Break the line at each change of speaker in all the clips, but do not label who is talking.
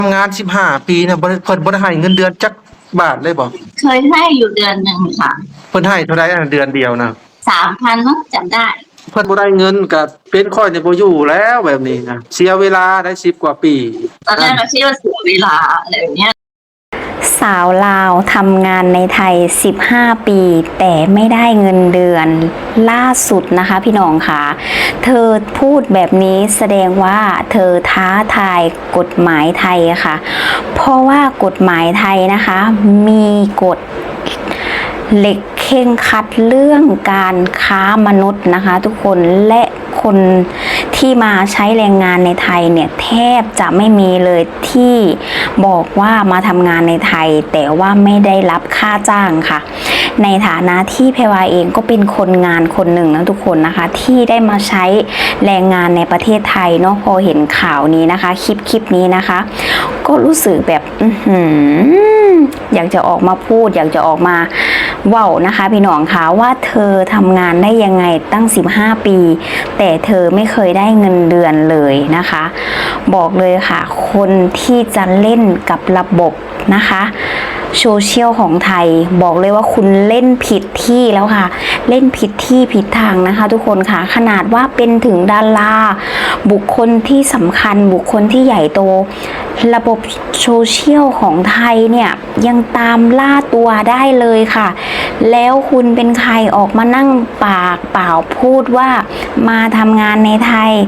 ทำงาน15 ปีนะเพิ่นบ่ได้ให้เงินเดือนจักบาทเลยบ่
เคยให้อยู่เดือนหนึ่งค่ะ
เพิ่นให้เท่าใดเดือนเดียวนะ
3,000มั้งจำได้
เพิ่นบ่ได้เงินก็เป็นข้อยนี่บ่อยู่แล้วแบบนี้นะเสียเวลาได้10 กว่าปี
ตอนแรกเราคิดว่าเสียเวลาอะไรแบบเนี้ย
สาวลาวทำงานในไทย15 ปีแต่ไม่ได้เงินเดือนล่าสุดนะคะพี่น้องค่ะเธอพูดแบบนี้แสดงว่าเธอท้าทายกฎหมายไทยค่ะเพราะว่ากฎหมายไทยนะคะมีกฎเหล็กเข่งคัดเรื่องการค้ามนุษย์นะคะทุกคนและคนที่มาใช้แรงงานในไทยเนี่ยแทบจะไม่มีเลยที่บอกว่ามาทำงานในไทยแต่ว่าไม่ได้รับค่าจ้างค่ะในฐานะที่แพรวาเองก็เป็นคนงานคนหนึ่งนะทุกคนนะคะที่ได้มาใช้แรงงานในประเทศไทยเนาะพอเห็นข่าวนี้นะคะคลิปนี้นะคะก็รู้สึกแบบอยากจะออกมาพูดอยากจะออกมาเว้านะคะพี่น้องคะว่าเธอทำงานได้ยังไงตั้ง15 ปีแต่เธอไม่เคยได้เงินเดือนเลยนะคะบอกเลยค่ะคนที่จะเล่นกับระบบนะคะโซเชียลของไทยบอกเลยว่าคุณเล่นผิดที่แล้วค่ะเล่นผิดที่ผิดทางนะคะทุกคนค่ะขนาดว่าเป็นถึงดาราบุคคลที่สำคัญบุคคลที่ใหญ่โตระบบโซเชียลของไทยเนี่ยยังตามล่าตัวได้เลยค่ะแล้วคุณเป็นใครออกมานั่งปากเปล่าพูดว่ามาทำงานในไทย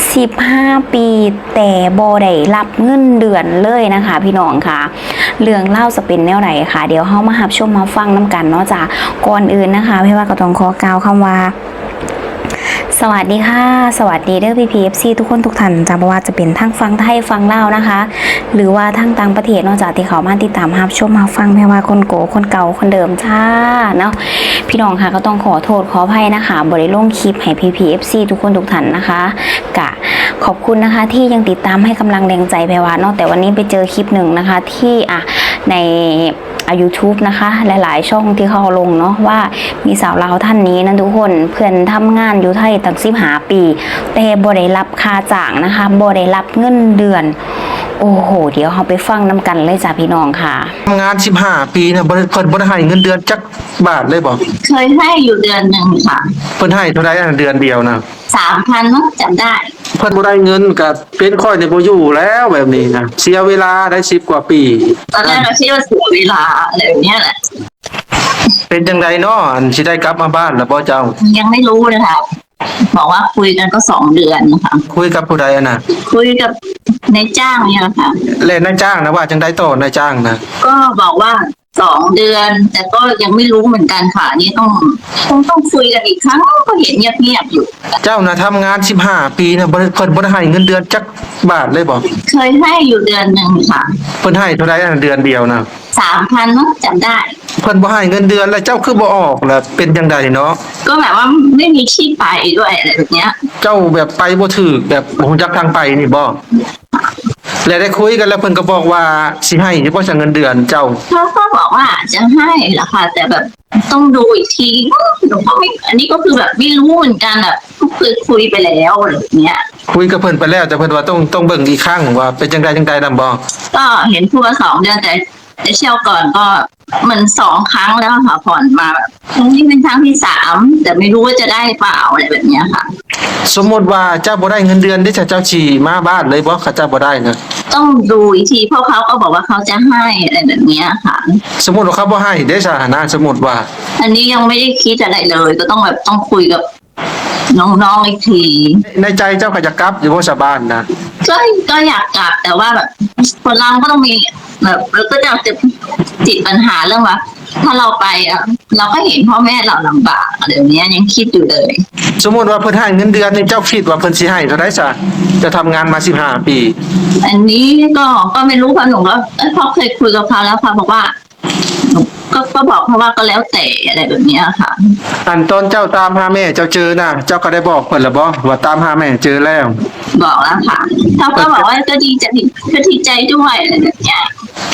15 ปีแต่บ่ได้รับเงินเดือนเลยนะคะพี่น้องค่ะเรื่องเล่าจะเป็นแนวไหนค่ะเดี๋ยวเฮามารับชมมาฟังน้ำกันเนาะจ้ะก่อนอื่นนะคะพี่ว่าก็ต้องขอกล่าวคำว่าสวัสดีค่ะสวัสดีเด้อPPFC ทุกคนทุกท่านจ้ะบ่ว่าจะเป็นทั้งฟังไทยฟังลาวนะคะหรือว่าทั้งต่างประเทศนอกจากที่เขามาติดตามรับชมมาฟังแม่ว่าคนโกคนเก่าคนเดิมจ้าเนาะพี่น้องค่ะก็ต้องขอโทษขออภัยนะคะบ่ได้ลงคลิปให้PPFC ทุกคนทุกท่านนะคะกะขอบคุณนะคะที่ยังติดตามให้กำลังแรงใจแพรว่าเนาะแต่วันนี้ไปเจอคลิปหนึ่งนะคะที่ในYouTube นะคะหลายๆช่องที่เขาลงเนาะว่ามีสาวลาวท่านนี้นะทุกคนเพื่อนทำงานอยู่ไทยตั้ง15 ปีแต่บ่ได้รับค่าจ้างนะคะบ่ได้รับเงินเดือนโอ้โหเดี๋ยวเราไปฟังน้ำกันเลยจ้ะพี่น้องค่ะ
ทำงาน15 ปีนะเพิ่นบ่ได้ให้เงินเดือนจักบาทเลยบ่
เคยให้อยู่เดือนหนึ่งค่ะ
เพิ่นให้เท่าใดเดือนเดียวนะ
3,000มั้งจำได้
เพิ่นบ่ได้เงินก็เป็นข้อยนี่บ่อยู่แล้วแบบนี้นะเสียเวลาได้10 กว่าปี
ตอนแรกเราคิดว่าเสียเวลาอะไรแบบเนี้ยแหละ
เป็นจังไดเนาะสิได้กลับมาบ้านแล้วบ่เจ้า
ยังไม่รู้เลยค่ะบอกว่าคุยกันก็2 เดือนนะคะ
คุยกับผู้ใดน่ะ
คุยกับนายจ้างเนี่ยค่ะ
แล้วนายจ้างนะว่าจังได๋ต่อนายจ้างนะ
ก็บอกว่า2 เดือนแต่ก็ยังไม่รู้เหมือนกันค่ะนี่ต้องคุยกันอีกครั้งก็เห็นเงียบๆอยู่
เจ้าน่ะทำงาน15 ปีนะเพิ่นบ่ได้ให้เงินเดือนจักบาทเลยบ่
เคยให้อยู่เดือนหนึ่งค่ะ
เพิ่นให้เท่าใดเดือนเดียวนะ
3,000มั้งจำได้
เพิ่นบ่ให้เงินเดือนแล้วเจ้าคือบ่ออกล่ะเป็นจังไดเนาะ
ก็แบบว่าไม่มีที่ไปด้วยอะไรแบบเนี้ย
เจ้าแบบไปบ่ถูกแบบบ่ฮู้จักทางไปนี่บ่แล้วได้คุยกันแล้วเพิ่นก็บอกว่าสิให้เฉพาะเงินเดือนเจ้า
เขาก็บอกว่าจะให้แหละค่ะแต่แบบต้องดูอีกทีหนูก็ไม่อันนี้ก็คือแบบไม่รู้เหมือนกันแบบคือคุยไปแล้วอะไรแบบเนี้ย
คุยกับเพิ่นไปแล้วแต่เพิ่นว่าต้องเบิ่งอีกครั้งว่าเป็นจังไดนำบ่
ก็เห็นพูดว่า2 เดือนแต่เที่ยวก่อนก็มัน2 ครั้งแล้วค่ะผ่อนมาแบบนี่เป็นครั้งที่3แต่ไม่รู้ว่าจะได้เปล่าอะไรแบบเนี้ยค่ะ
สมมุติว่าเจ้าบ่ได้เงินเดือนที่เจ้าสิมาบ้านเลยบ่เขาเจ้าบ่ได้นะ
ต้องดูอีกทีเพราะเขาก็บอกว่าเขาจะให้อะไรแบบเนี้ยค่ะ
สมมุติว่าเขาบ่ให้ได้ซะนะสมมุติว่า
อันนี้ยังไม่ได้คิดอะไรเลยก็ต้องแบบต้องคุยกับน้องๆอีกที
ในใจเจ้าก็จะกลับอยู่บ่สบานนะ
ก็อยากกลับแต่ว่าแบบคนเราก็ต้องมีแบบเราก็จะติดปัญหาเรื่องว่าถ้าเราไปเราก็เห็นพ่อแม่เราลำบากอะไรแบบนี้ยังคิดอยู่เลย
สมมุติว่าเพิ่นให้เงินเดือนนี่เจ้าคิดว่าเพิ่นสิให้เท่าใดซะจะทำงานมา15 ปี
อันนี้ก็ไม่รู้เพราะหนูก็พอเคยคุยกับเขาแล้วค่ะบอกว่าก็บอกเพราะว่าก็แล้วแต่อะไรแบบนี้ค่ะ
อันตอนเจ้าตามหาแม่เจ้าเจอน่ะเจ้าก็ได้บอกเพิ่นแล้วบ่ว่าตามหาแม่เจอแล้ว
บอกแล้วค่ะเขาก็บอกว่าก็ดีใจด้วยอะไรแบบนี้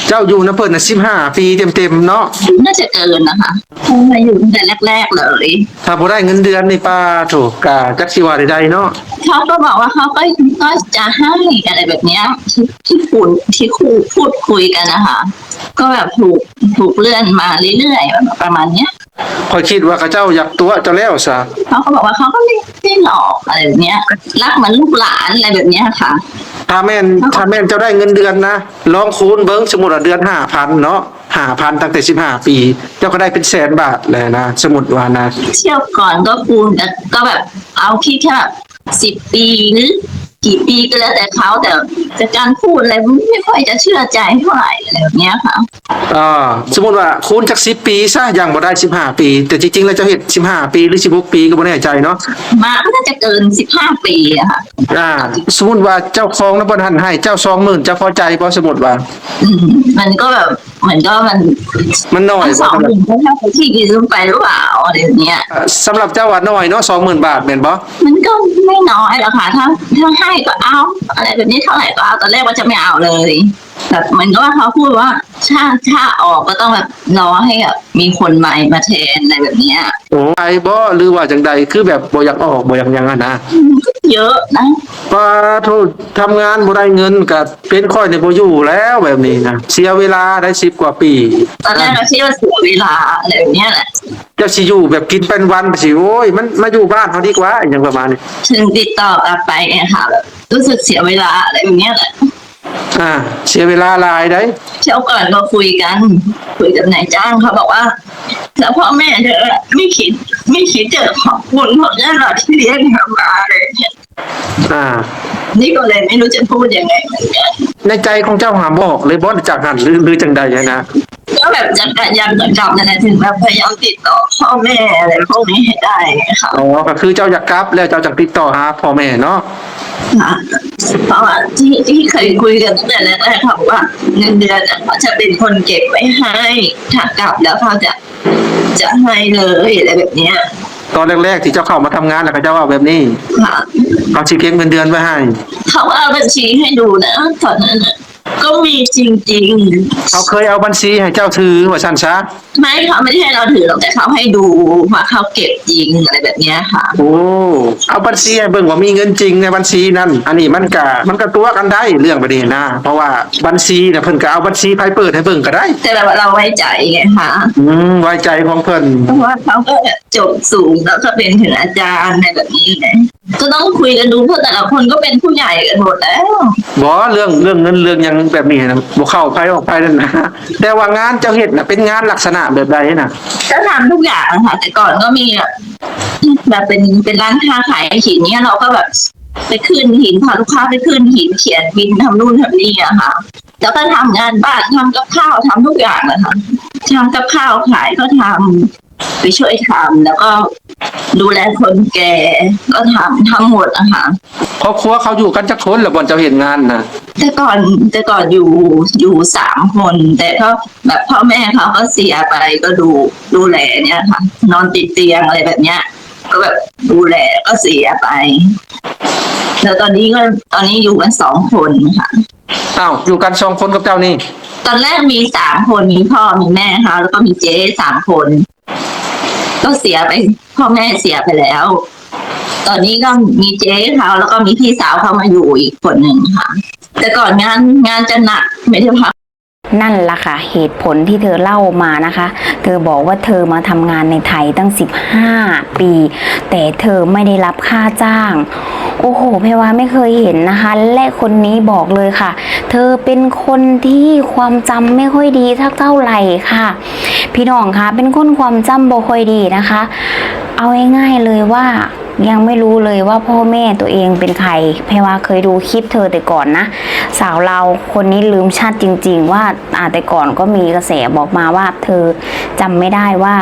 เจ้าอยู่นะเพิ่นน่ะ15 ปีเต็มๆเนาะ
น่าจะเกินนะคะเพราะมาอยู่ตั้งแต่แรกๆเลย
ถ้าบ่ได้เงินเดือนนี่ป้าโถกะจักสิว่าใดๆเนาะ
เขาก็บอกว่าเขาก็จะให้อะไรแบบเนี้ยที่พูดคุยกันนะคะก็แบบถูกเลื่อนมาเรื่อยๆประมาณเนี้ย
ข่อยคิดว่าเขาเจ้าอยากตัวเจ้าแล้วซะ
เขาก็บอกว่าเขาก็ไม่หลอกอะไรแบบเนี้ยรักเหมือนลูกหลานอะไรแบบเนี้ยค่ะ
ถ้าแม่นเจ้าได้เงินเดือนนะลองคูณเบิ่งสมมุติว่าเดือน 5,000 เนาะ 5,000 ตั้งแต่15 ปี เจ้าก็ได้เป็นแสนบาทเลยนะสมมุติว่านะ
เที่ยวก่อนก็คูณแต่ก็แบบเอาคิดแค่แบบ10 ปีหรือกี่ปีก็แล้วแต่เขาแต่การพูดอะไรไม่ค่อยจะเชื่อใจเท่าไหร่อะไรแบบเนี้ยค่ะ
สมมุติว่าคูณจาก10 ปีซะยังบ่ได้15 ปี แต่จริงๆแล้วเจ้าเฮ็ด15 ปีหรือ16 ปีก็บ่แน่ใจเนาะ
มาก็น่าจะเกิน15 ปีอะค่ะ
สมมุติว่าเจ้าของแล้วบ่ทันให้เจ้า 20,000เจ้าพอใจบ่สมมุติว่า
มันก็แบบเหมือนก็มัน
มันน้อย
ส
บ่
อง
สำห
ห
รับ
มื่นก็เท่ากับที่กินลงไปหรือเปล่าอะไรแบบเนี้ย
สำหรับเจ้าว่าน้อยเนาะ 20,000 บาทแม่นบ่
มันก็ไม่น้อยหรอกค่ะถ้าให้ก็เอาอะไรแบบนี้เท่าไหร่ก็เอาตอนแรกว่าจะไม่เอาเลยแบบเหมือนก็ว่าเขาพูดว่าถ้าออกก็ต้องแบบรอให้แบบมีคนใหม่มาแทนอะไรแบบเนี้ย
โอ้ไอ้บ่หรือว่าจังใดคือแบบบ่อยากออกบ่อยากหยังอะนะ
มันก็เยอะนะ
ป้าโทษทำงานบ่ได้เงินก็เป็นค่อยในบ่อยู่แล้วแบบนี้นะเสียเวลาได้10 กว่าปี
ตอนแรกเราคิดว่าเสียเวลาอะไรแบบเนี้ยแหละ
เจ้าสิอยู่แบบกินเป็นวันไปสิโอ้ยมันมาอยู่บ้านเฮาดีกว่าอหยังประมาณนี้
ถึงติดต่อกลับไปเนี่ยค่ะแบบรู้สึกเสียเวลาอะไรแบบเนี้ยแหละ
เสียเวลาหลายได้
เที่ยวก่อนก็คุยกับนายจ้างเขาบอกว่าแล้วพ่อแม่เธอไม่คิดจะขอบคุณพ่อแม่เราที่เลี้ยงเธอมาเลยเนี่ย
อ่า
นี่ก็เลยไม่รู้จะพูดยังไงเหมือนกัน
ในใจของเจ้าหาบอกเลยบ่จากหันหรือจังใดอะนะ
ก็แบบจะพยายามจะกลับนั่นแหละถึงแบบพยายามติดต่อพ่อแม่อะไรพวกนี้ให้ได้ค่ะ
อ๋อก็คือเจ้าอยากกลับแล้วเจ้าจักติดต่อหาพ่อแม่เนาะ
เพราะว่าที่เคยคุยกันตั้งแต่แรกๆค่ะว่าเงินเดือนเขาจะเป็นคนเก็บไว้ให้ถ้ากลับแล้วเขาจะให้เลยอะไรแบบเนี้ย
ตอนแรกๆที่เจ้าเข้ามาทำงานแล้วก็เจ้าว่าแบบนี้
ค่ะ
เขาสิเก็บเงินเดือนไว้ให้
เขาเอาบัญชีให้ดูนะตอนนั้นน่ะก็มีจริง
เขาเคยเอาบัญชีให้เจ้าถือว่าซั่นซะ
ๆไม่เขาไม่ได้ให้เราถือหรอกแต่เขาให้ดูว่าเขาเก็บจริงอะไรแบบเนี้ยค่ะ
โอ้เอาบัญชีให้เบิ่งว่ามีเงินจริงในบัญชีนั้นอันนี้มันก็ตัวกันได้เรื่องแบบนี้นะเพราะว่าบัญชีน่ะเพิ่นก็เอาบัญชีไผเปิดให้เบิ่งก็ได้
แต่แบบเราไว้ใจไงคะ
ไว้ใจของเพิ่น
เพราะว่าเขาก็จบสูงแล้วก็เป็นถึงอาจารย์ในแบบนี้ไงก็ต้องคุยกันดูเพราะแต่ละคนก็เป็นผู้ใหญ่กันหมดแล้ว
บ่เรื่องเงินเรื่องหยังแบบนี้นะบ่เข้าไผออกไผนั่นนะแต่ว่างานเจ้าเฮ็ดน่ะเป็นงานลักษณะแบบใดน่ะ
ก็ทำทุกอย่างค่ะแต่ก่อนก็มีแบบเป็นร้านค้าขายหินเนี่ยเราก็แบบไปขึ้นหินพาลูกค้าไปขึ้นหินเขียนบินทำนู่นทำนี่อะค่ะแล้วก็ทำงานบ้านทำกับข้าวทำทุกอย่างนะคะทำกับข้าวขายก็ทำไปช่วยทำแล้วก็ดูแลคนแก่ก็ทำทั้งหมดอะค่ะ
ครอบครัวเขาอยู่กันจักคนแล้วบ่เจ้าเฮ็ดงานน่ะ
แต่ก่อนอยู่3 คนแต่ก็แบบพ่อแม่เขาก็เสียไปก็ดูแลเนี่ยค่ะ นอนติดเตียงอะไรแบบเนี้ย ก็แบบดูแลก็เสียไป แล้วตอนนี้อยู่กัน2 คนค่ะ
อ้าวอยู่กัน2คนกับเจ้านี่
ตอนแรกมี3 คนมีพ่อมีแม่เขาแล้วก็มีเจ๊3 คน ก็เสียไปพ่อแม่เสียไปแล้ว ตอนนี้ก็มีเจ๊เขาแล้วก็มีพี่สาวเขามาอยู่อีกคนหนึ่งค่ะ แต่ก่อนงานจะหนักไม่ได้พัก
นั่นล่ะค่ะเหตุผลที่เธอเล่ามานะคะ เธอบอกว่าเธอมาทำงานในไทยตั้ง15 ปี แต่เธอไม่ได้รับค่าจ้าง โอ้โหเพวาไม่เคยเห็นนะคะ และคนนี้บอกเลยค่ะ เธอเป็นคนที่ความจำไม่ค่อยดีเท่าไหร่ค่ะ พี่น้องคะเป็นคนความจำบ่ค่อยดีนะคะ เอาง่ายๆเลยว่ายังไม่รู้เลยว่าพ่อแม่ตัวเองเป็นใครเพราะว่าเคยดูคลิปเธอแต่ก่อนนะสาวเราคนนี้ลืมชาติจริงๆว่าแต่ก่อนก็มีกระแสบอกมาว่าเธอจำไม่ได้ว่า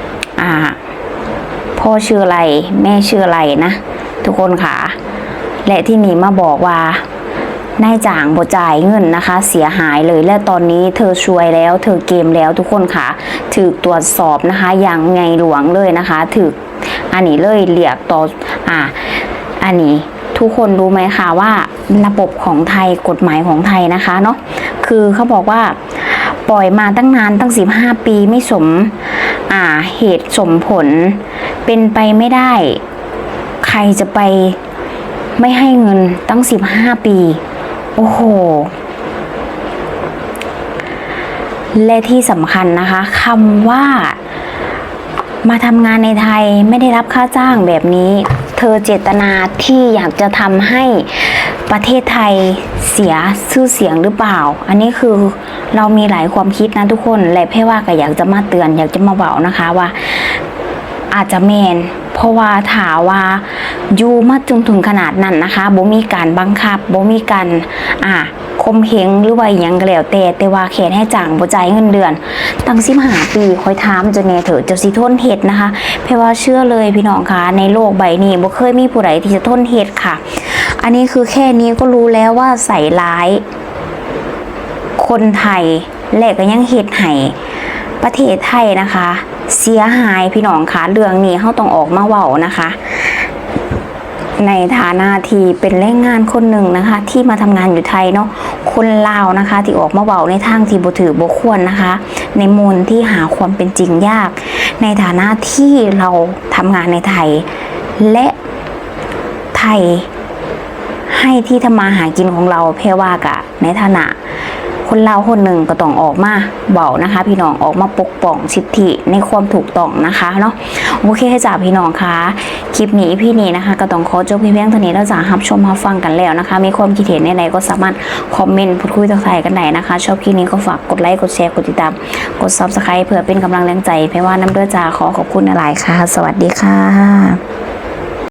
พ่อชื่ออะไรแม่ชื่ออะไรนะทุกคนค่ะและที่นี่มาบอกว่านายจ้างบ่จ่ายเงินนะคะเสียหายเลยและตอนนี้เธอช่วยแล้วเธอเกมแล้วทุกคนค่ะถูกตรวจสอบนะคะอย่างไงหลวงเลยนะคะถูกอันนี้เลยเรียกต่ออันนี้ทุกคนรู้ไหมคะว่าระบบของไทยกฎหมายของไทยนะคะเนาะคือเขาบอกว่าปล่อยมาตั้งนานตั้ง15 ปีไม่สมเหตุสมผลเป็นไปไม่ได้ใครจะไปไม่ให้เงินตั้ง15 ปีโอ้โหและที่สำคัญนะคะคำว่ามาทำงานในไทยไม่ได้รับค่าจ้างแบบนี้เธอเจตนาที่อยากจะทำให้ประเทศไทยเสียชื่อเสียงหรือเปล่าอันนี้คือเรามีหลายความคิดนะทุกคนและเพ่ว่าก็อยากจะมาเตือนอยากจะมาบอกนะคะว่าอาจจะแมนเพราะว่าถาว่าอยู่มาจนถึงขนาดนั้นนะคะบ่มีการบังคับบ่มีการคมเหงหรือว่าอย่างก็แล้วแต่ว่าแค่ให้จ่างบ่จ่ายเงินเดือนตั้ง15 ปีคอยถามจนแน่เถอะเจ้าสิทนเฮ็ดนะคะเพราะว่าเชื่อเลยพี่น้องคะในโลกใบนี้บ่เคยมีผู้ใดที่จะทนเฮ็ดค่ะอันนี้คือแค่นี้ก็รู้แล้วว่าใส่ร้ายคนไทยและก็ยังเฮ็ดให้ประเทศไทยนะคะเสียหายพี่น้องคะเรื่องนี้เขาต้องออกมาเว้านะคะในฐานะที่เป็นแรงงานคนหนึ่งนะคะที่มาทำงานอยู่ไทยเนาะคนลาวนะคะที่ออกมาเว้าในทางที่บ่ถือบ่ควรนะคะในมูลที่หาความเป็นจริงยากในฐานะที่เราทำงานในไทยและไทยให้ที่ทำมาหากินของเราเพว่ากะในฐานะคนลาวคนหนึ่งก็ต้องออกมาเบานะคะพี่น้องออกมาปกป้องสิทธิในความถูกต้องนะคะเนาะโอเคจ้าพี่น้องคะคลิปนี้พี่นี้นะคะก็ต้องขอจบเพียงเท่านี้แล้วจ้ารับชมรับฟังกันแล้วนะคะมีความคิดเห็นในใดก็สามารถคอมเมนต์พูดคุยทักทายกันได้นะคะชอบคลิปนี้ก็ฝากกดไลค์กดแชร์กดติดตามกด Subscribe เพื่อเป็นกำลังแรงใจเพราะว่าน้ำเด้อจ้าขอขอบคุณหลายค่ะสวัสดีค่ะ